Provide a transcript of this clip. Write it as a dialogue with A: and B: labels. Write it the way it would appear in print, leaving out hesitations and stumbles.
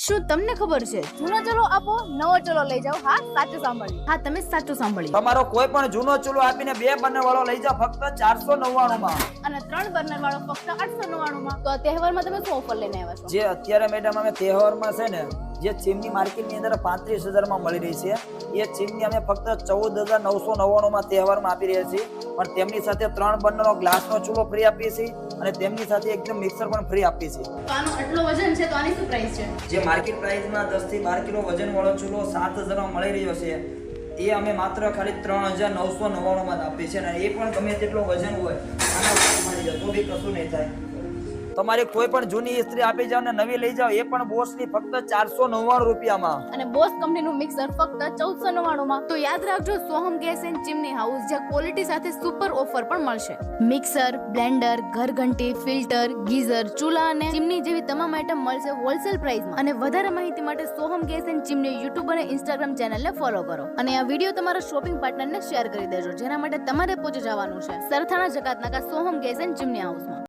A: શું તમને ખબર છે જૂનો ચલો આપો નવો ચલો લઈ જાઓ? હા, સાચું સાંભળ્યું. હા, તમે સાચું સાંભળ્યું.
B: તમારો કોઈ પણ જૂનો ચૂલો આપીને 2 બર્નર વાળો લઈ જાઓ ફક્ત 499 માં,
A: અને 3 બર્નર વાળો ફક્ત 899 માં. તો આ તહેવારમાં તમે શું ઓફર લઈને આવ્યા છો?
B: જે અત્યારે મેડમ અમે તહેવારમાં છે ને જે ચીમની માર્કેટની અંદર 35,000 માં મળી રહી છે, એ ચીમની અમે ફક્ત 14,999 માં તહેવારમાં આપી રહ્યા છીએ. પણ તેમની સાથે 3 બર્નરનો ગ્લાસનો ચૂલો ફ્રી આપીએ છીએ અને તેમની સાથે એકદમ મિક્સર પણ ફ્રી આપીએ છીએ.
A: તો આનો આટલો વજન છે તો આની શું પ્રાઇસ છે?
B: જે માર્કેટ પ્રાઇસમાં 10 થી 12 કિલો વજન વાળો ચૂલો 7,000 માં મળી રહ્યો છે, એ અમે માત્ર ખાલી 3,999 માં આપીએ છીએ. અને એ પણ ગમે તેટલો વજન હોય આના ઉપર મળી જાય તો બી કશું નહીં થાય. તમારી કોઈ પણ જૂની ઇસ્ત્રી આપી જાવ ને નવી લઈ જાવ, એ પણ બોસની ફક્ત 499 રૂપિયામાં.
A: અને બોસ કંપનીનું મિક્સર ફક્ત 1499 માં. તો યાદ રાખજો, Soham gas and chimney house, જ્યાં ક્વોલિટી સાથે સુપર ઓફર પણ મળશે. મિક્સર, બ્લેન્ડર, ઘરઘંટી, ફિલ્ટર, ગીઝર, ચૂલા અને ચીમની જેવી તમામ આઇટમ મળશે હોલસેલ પ્રાઇસમાં. અને વધારે માહિતી માટે Soham gas and chimney YouTube and Instagram ચેનલને ફોલો કરો. અને આ વિડીયો તમારા શોપિંગ પાર્ટનરને શેર કરી દેજો, જેના માટે તમારે પહોંચી જવાનું છે Sarthana Jakatnaka Soham gas and chimney હાઉસમાં.